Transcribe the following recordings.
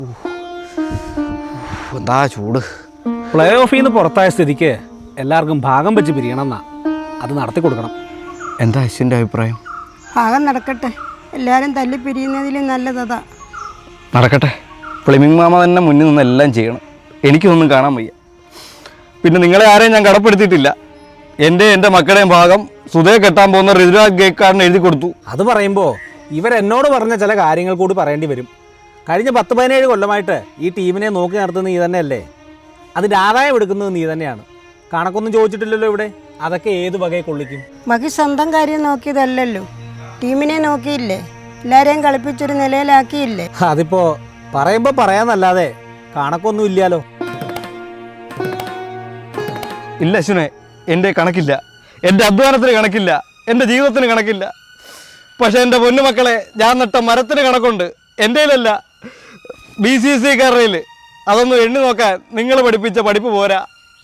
എന്താ ചൂട്. പ്ലേ ഓഫിൽ നിന്ന് പുറത്തായ സ്ഥിതിക്ക് എല്ലാവർക്കും ഭാഗം വെച്ച് പിരിയണമെന്നാ. അത് നടത്തി കൊടുക്കണം. എന്താ അശ്വിൻ്റെ അഭിപ്രായം? ഭാഗം നടക്കട്ടെ, എല്ലാവരും തല്ലി പിരിയുന്നതിലും നല്ലതാ. നടക്കട്ടെ. ഫ്ലെമിംഗ് മാമ തന്നെ മുന്നിൽ നിന്ന് എല്ലാം ചെയ്യണം. എനിക്കൊന്നും കാണാൻ വയ്യ. പിന്നെ നിങ്ങളെ ആരെയും ഞാൻ കടപ്പെടുത്തിയിട്ടില്ല. എൻ്റെ മക്കളുടെയും ഭാഗം സുധയെ കെട്ടാൻ പോകുന്ന ഋതുരാജ് ഗേക്കാരന് എഴുതി കൊടുത്തു. അത് പറയുമ്പോൾ ഇവരെന്നോട് പറഞ്ഞ ചില കാര്യങ്ങൾ കൂടി പറയേണ്ടി വരും. കഴിഞ്ഞ 10-17 കൊല്ലമായിട്ട് ഈ ടീമിനെ നോക്കി നടത്തുന്നത് നീ തന്നെയല്ലേ? അതിൻ്റെ ആദായം എടുക്കുന്നത് നീ തന്നെയാണ്. കണക്കൊന്നും ചോദിച്ചിട്ടില്ലല്ലോ ഇവിടെ. അതൊക്കെ ഏത് വകയെ കൊള്ളിക്കും? മകി സ്വന്തം കാര്യം നോക്കിയതല്ലല്ലോ, ടീമിനെ നോക്കിയില്ലേ? എല്ലാവരെയും കളിപ്പിച്ചൊരു നിലയിലാക്കിയില്ലേ? അതിപ്പോൾ പറയുമ്പോൾ പറയാന്നല്ലാതെ കണക്കൊന്നും ഇല്ലല്ലോ. ഇല്ല അശ്വിനെ, എൻ്റെ കണക്കില്ല. എൻ്റെ അധ്വാനത്തിന് കണക്കില്ല. എൻ്റെ ജീവിതത്തിന് കണക്കില്ല. പക്ഷെ എൻ്റെ പൊന്നുമക്കളെ, ഞാൻ നട്ട മരത്തിന് കണക്കുണ്ട്. എൻ്റെയിലല്ല, BCCക്കാരുടെ. അതൊന്നും എണ്ണി നോക്കാൻ നിങ്ങൾ പഠിപ്പിച്ച പഠിപ്പ് പോരാ.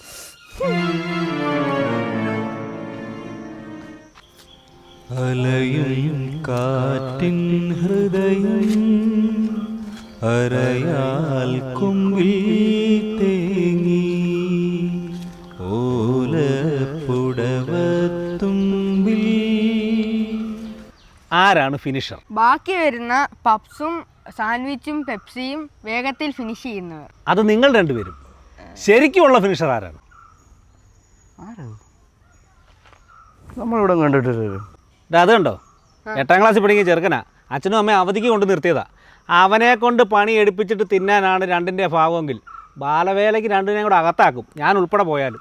അലയും കാറ്റിൻ ഹൃദയം അരയാൽ കൊമ്പിൽ തേങ്ങി ഓലപ്പുടവത്തുമ്പിൽ. ആരാണ് ഫിനിഷർ? ബാക്കി വരുന്ന പപ്സും സാൻഡ്വിച്ചും പെപ്സിയും വേഗത്തിൽ ഫിനിഷ് ചെയ്യുന്നവർ. അത് നിങ്ങൾ രണ്ടുപേരും. ശരിക്കുമുള്ള ഫിനിഷർ ആരാണ്? നമ്മളിവിടെ കണ്ടിട്ടില്ലല്ലോ. അത് കണ്ടോ, 8ാം ക്ലാസ്സിൽ പഠിക്കുന്ന ചെറുക്കനാ. അച്ഛനും അമ്മയും അവധിക്ക് കൊണ്ട് നിർത്തിയതാ. അവനെ കൊണ്ട് പണി എടുപ്പിച്ചിട്ട് തിന്നാനാണ് രണ്ടിൻ്റെ ഭാവമെങ്കിൽ ബാലവേലയ്ക്ക് രണ്ടിനെയും കൂടെ അകത്താക്കും, ഞാൻ ഉൾപ്പെടെ പോയാലും.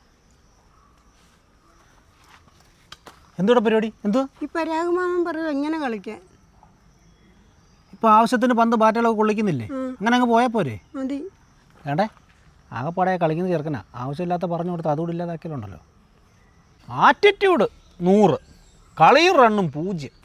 എന്തുകൂടെ പരിപാടി? എന്തോ ഈ പരാഗമാമൻ പറയും എങ്ങനെ കളിക്കാൻ. ഇപ്പോൾ ആവശ്യത്തിന് പന്ത് ബാറ്റുകളൊക്കെ കൊള്ളിക്കുന്നില്ലേ? അങ്ങനെ അങ്ങ് പോയാൽ പോരെ? മതി. വേണ്ടേ? ആകെപ്പാടെ കളിക്കുന്ന ചെറുക്കനാ. ആവശ്യമില്ലാത്ത പറഞ്ഞു കൊടുത്ത് അതുകൂടി ഇല്ലാതാക്കിയാലുണ്ടല്ലോ. ആറ്റിറ്റ്യൂഡ് 100, കളിയും റണ്ണും 0.